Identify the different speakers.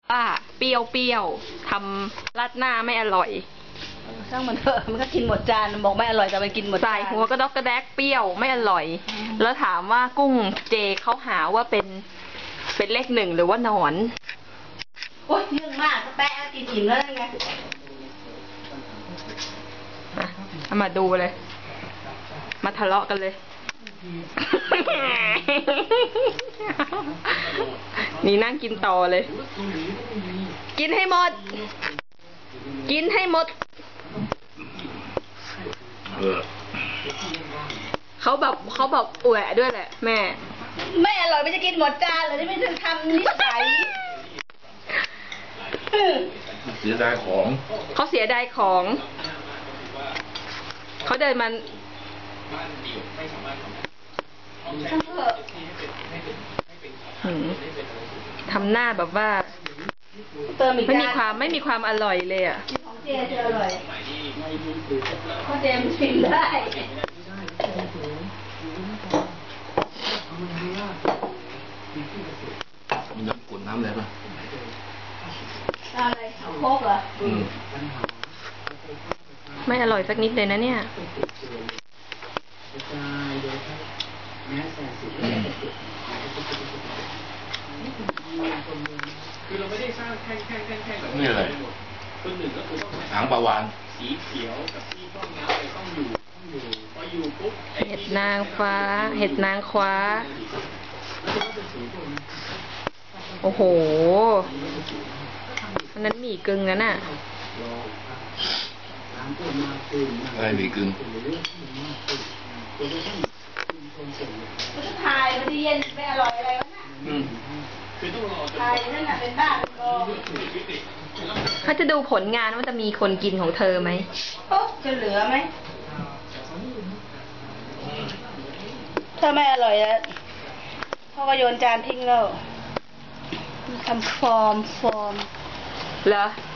Speaker 1: ป้าเปรี้ยวทำราดหน้าไม่อร่อย
Speaker 2: ช่างมันเถอะมันก็กินหมดจานบอกไม่อร่อยแต่มันกินหมดจาน
Speaker 1: ใส่หัวกระดอกกระแดกเปรี้ยวไม่อร่อยแล้วถามว่ากุ้งเจเขาหาว่าเป็นเลขหนึ่งหรือว่าหนอน
Speaker 2: โอ๊ยเรื่องมากก็แปะกินอิ่มแล้วไง
Speaker 1: เอามาดูเลยมาทะเลาะกันเลยนี่นั่งกินต่อเลยกินให้หมดกินให้หมดเขาแบบอวยด้วยแหละแม่
Speaker 2: ไม่อร่อยไม่จะกินหมดจานเลยที่ไม่ถึงทำนิสัย
Speaker 3: เสียดายของ
Speaker 1: เขาเสียดายของเขาเดินมันทำหน้าแบบว่าไม่มีความอร่อยเลยอ่ะ
Speaker 2: ของเจจะอร่อยเพราะเจมชิมได้
Speaker 3: มันจะกดน้ำอะไรป่ะ
Speaker 2: อะไรเอาโคกเหรอ
Speaker 1: ไม่อร่อยสักนิดเลยนะเนี่ย
Speaker 4: คือเราไม่ได้สร้างแข่ง
Speaker 3: นี่อะไร
Speaker 4: คนหนึ่งก็คือต้อง
Speaker 3: หางปลาวาน
Speaker 4: สีเขียวกับที่ต้องน้ำไปต้องอยู่พออยู่ปุ๊บ
Speaker 1: เห็ดนางฟ้าเห็ดนางคว้าโอ้โหอันนั้นหมี่กึ่งนั่นน่ะ
Speaker 3: อะไรหมี่กึ่ง
Speaker 2: มันจะทายมันจะเย็นไม่อร่อยอะไรวะน่ะทายนั่นน่ะเป็นบ้าเป็นกอ
Speaker 1: เขาจะดูผลงานว่าจะมีคนกินของเธอไหม
Speaker 2: โอ๊ะจะเหลือไหมถ้าไม่อร่อยแล้วพ่อก็โยนจานทิ้งแล้วทำฟอร์ม
Speaker 1: เหรอ